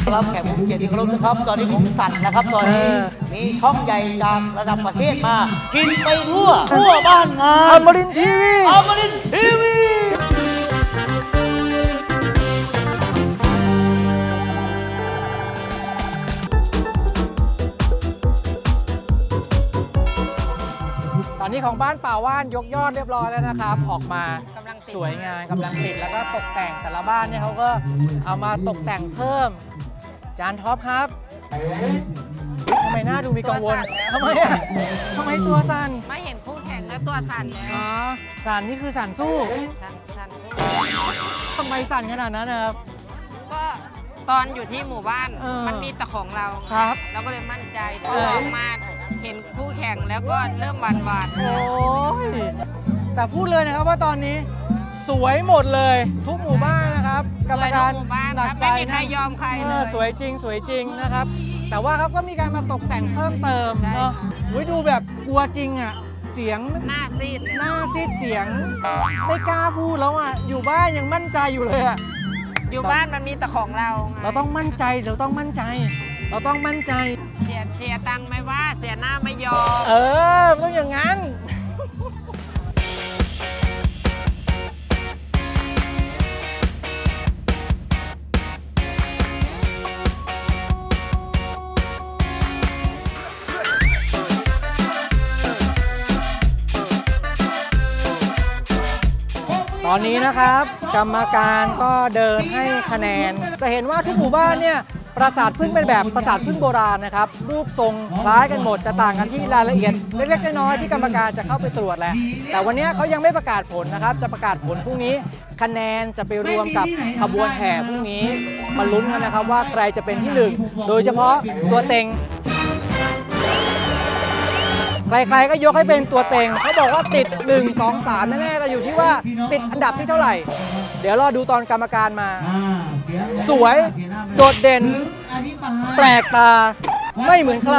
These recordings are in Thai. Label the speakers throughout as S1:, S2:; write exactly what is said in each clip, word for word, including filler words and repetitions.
S1: รับแขกผู้มีเกียรติที่เคารพนะครับตอนนี้ผมสั่นนะครับตอนนี้มีช่องใหญ่จากระดับประเทศมา กินไปทั่วทั่วบ้านงาน
S2: อมรินทร์ทีวี
S1: อมรินทร์ทีวี
S2: ตอนนี้ของบ้านป่าว่านยกยอดเรียบร้อยแล้วนะครับออกมาสวยงามกำลังติดแล้วก็ตกแต่งแต่ละบ้านเนี่ยเขาก็เอามาตกแต่งเพิ่มจานท็อปครับทำไมหน้าดูมีกังวลทำไมอ่ะทำไมตัวสั่น
S3: ไม่เห็นคู่แข่งแล้วตัวสั่นแล้ว
S2: อ๋อสั่นนี่คือสั่นสู้
S3: สั่นสั่นสู้
S2: ทำไมสั่นขนาดนั้นนะครับ
S3: ก็ตอนอยู่ที่หมู่บ้านมันมีแต่ของเรา
S2: ครับ
S3: เราก็เลยมั่นใจพอออกมาเห็นคู่แข่งแล้วก็เริ่มหวานหวาน
S2: โอ้ยแต่พูดเลยนะครับว่าตอนนี้สวยหมดเลยทุกหมู่บ้านนะครับกรรมการ
S3: หมู่บ้าน
S2: หนักใจ
S3: ไม่มีใครยอมใครเลย
S2: สวยจริงสวยจริงนะครับแต่ว่าครับก็มีการมาตกแต่งเพิ่มเติมเนาะดูแบบกลัวจริงอ่ะเสียง
S3: หน้าซีด
S2: หน้าซีดเสียงไม่กล้าพูดแล้วอ่ะอยู่บ้านยังมั่นใจอยู่เลยอ่ะ
S3: อยู่บ้านมันมีแต่ของเรา
S2: เราต้องมั่นใจเราต้องมั่นใจเราต้องมั่นใจ
S3: เสียเสียตังค์ไม่ว่าเสียหน้าไม่ยอม
S2: เออต้องอย่างนั้นตอนนี้นะครับกรรมการก็เดินให้คะแนนจะเห็นว่าทุกหมู่บ้านเนี่ยปราสาทพึ่งเป็นแบบปราสาทพึ่งโบราณนะครับรูปทรงคล้ายกันหมดจะต่างกันที่รายละเอียดเล็กๆน้อยๆที่กรรมการจะเข้าไปตรวจแหละแต่วันนี้เขายังไม่ประกาศผลนะครับจะประกาศผลพรุ่งนี้คะแนนจะไปรวมกับขบวนแห่พรุ่งนี้มาลุ้นกันนะครับว่าใครจะเป็นที่หนึ่งโดยเฉพาะตัวเต็งใครๆก็ยกให้เป็นตัวเต็งเขาบอกว่าติดหนึ่ง สอง สามแน่ๆแต่อยู่ที่ว่าติดอันดับที่เท่าไหร่เดี๋ยวรอดูตอนกรรมการมาสวยโดดเด่นแปลกตาไม่เหมือนใคร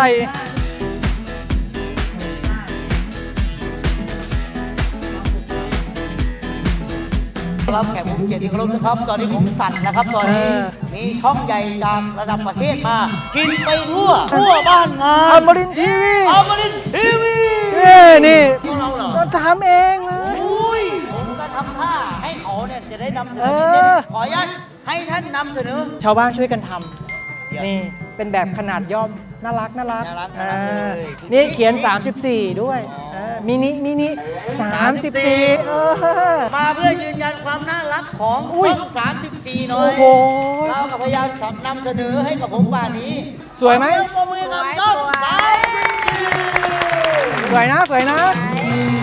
S1: รับแขกผู้มีเกียรติที่เคารพนะครับตอนนี้ผมสั่นนะครับตอนนี้มีช่องใหญ่จากระดับประเทศมา กินไปทั่วทั่วบ้านงาน
S2: อมรินทร์ทีวี
S1: อมรินทร์ทีวี
S2: เอ้นี่
S1: พวกเราเหรอ
S2: ทำเองเลย
S1: ผมก็ทำท่าให้เขาเนี่ยจะได้นำเสนอขออนุญาตให้ท่านนำเสนอ
S2: ชาวบ้านช่วยกันทำนี่เป็นแบบขนาดย่อมน่ารักน่ารักนี่เขียนสามสิบสี่ด้วยมินิมินิสามสิบสี่
S1: มาเพื่อยืนยันความน่ารักของช่องสามสิบสี่หน่อยเราพยายามนำเสนอให้กับผมป่านนี้
S2: สวยไหม
S1: มือกับช่องสามสิบสี่
S2: สวยนะสวยนะ